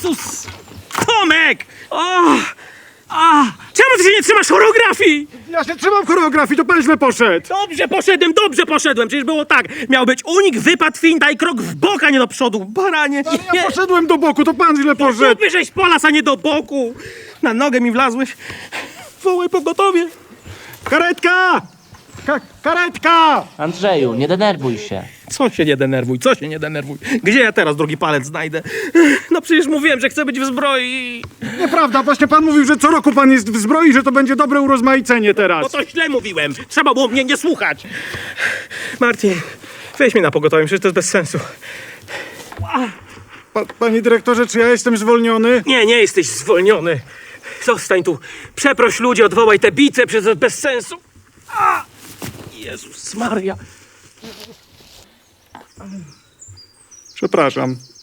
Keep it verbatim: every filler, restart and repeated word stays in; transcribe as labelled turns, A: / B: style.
A: Jezus! Tomek! O! A! Czemu ty się nie trzymasz choreografii?
B: Ja się trzymam choreografii, to pan źle poszedł.
A: Dobrze poszedłem, dobrze poszedłem. Przecież było tak. Miał być unik, wypad, finta i krok w bok, a nie do przodu. Baranie.
B: Ale ja poszedłem do boku, to pan źle poszedł.
A: Zupy żeś polas, a nie do boku. Na nogę mi wlazłeś. Wołaj pogotowie.
B: Karetka! Ka karetka!
C: Andrzeju, nie denerwuj się.
A: Co się nie denerwuj, co się nie denerwuj? Gdzie ja teraz drugi palec znajdę? No przecież mówiłem, że chcę być w zbroi.
B: Nieprawda, właśnie pan mówił, że co roku pan jest w zbroi, że to będzie dobre urozmaicenie teraz.
A: No to źle mówiłem. Trzeba było mnie nie słuchać. Martin, weź mnie na pogotowie, przecież to jest bez sensu.
B: Pa panie dyrektorze, czy ja jestem zwolniony?
A: Nie, nie jesteś zwolniony. Zostań tu. Przeproś ludzi, odwołaj te bice, przecież to jest bez sensu. A! Jezus Maria.
B: Przepraszam.